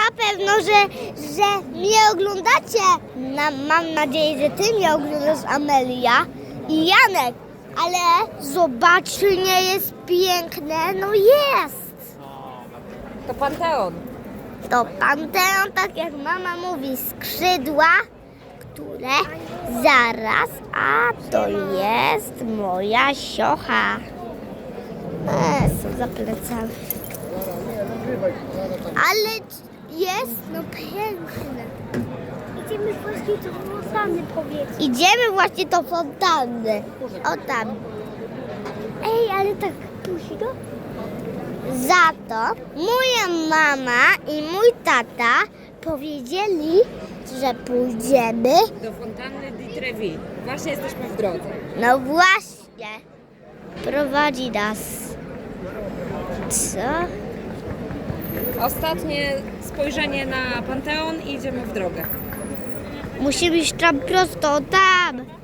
na pewno, że mnie oglądacie. Mam nadzieję, że ty mnie oglądasz, Amelia i Janek. Ale zobacz, czy nie jest piękne? No jest. To Panteon. To Panteon, tak jak mama mówi, skrzydła, które zaraz, a to jest moja siocha. Są za plecami. Ale jest, no piękne. Idziemy właśnie do fontanny, powiedz. Idziemy właśnie do fontanny. O tam. Ej, ale tak późno? Za to moja mama i mój tata powiedzieli, że pójdziemy. Do fontanny di Trevi. Właśnie jesteśmy w drodze. No właśnie. Prowadzi nas. Co? Ostatnie spojrzenie na Panteon i idziemy w drogę. Musimy iść tam prosto, tam.